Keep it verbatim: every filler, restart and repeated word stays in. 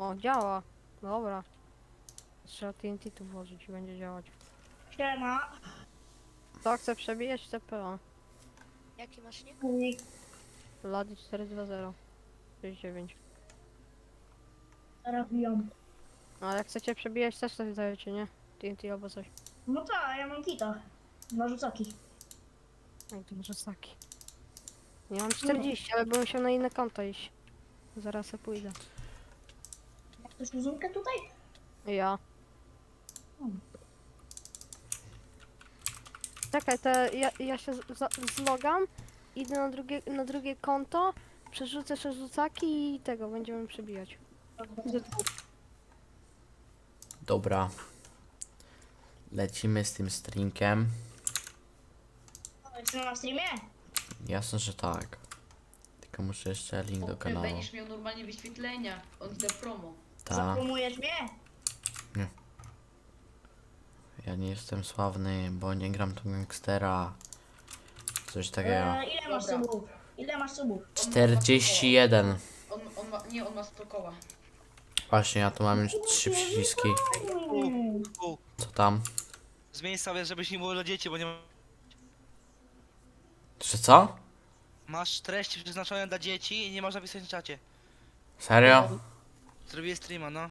O, działa. Dobra. Trzeba T N T tu włożyć i będzie działać. Siema. To chcę przebijać T P O. Jaki masz nick? Ladi cztery dwa zero sześć dziewięć. Robią. No ale jak chcecie przebijać też coś dajecie, nie? T N T albo coś. No tak, ja mam kita. Dwa rzucaki. Jak to może saki. Nie mam czterdzieści, ale bym musiał na inne konto iść. Zaraz se pójdę. Ma ktoś uzunkę tutaj? Ja. Hmm. Czekaj, to ja, ja się z- za- zlogam, idę na drugie, na drugie konto, przerzucę rzucaki i tego będziemy przebijać. Dobra. Lecimy z tym streamkiem. Czy na streamie? Jasne, że tak. Tylko muszę jeszcze link do Ty kanału. będziesz miał normalnie wyświetlenia. On chce promo. Ta. Zapromujesz mnie? Ja nie jestem sławny, bo nie gram tu gangstera. Coś takiego. E, ile masz Dobra. subów? Ile masz subów? czterdzieści jeden. On, on ma, nie, on ma sto koła. Właśnie, ja tu mam już trzy przyciski. Hmm. U, Co tam? zmień sobie, żebyś nie było dla dzieci, bo nie ma... Czy co? Masz treści przeznaczone dla dzieci i nie można pisać na czacie. Serio? Zrobię streama, no.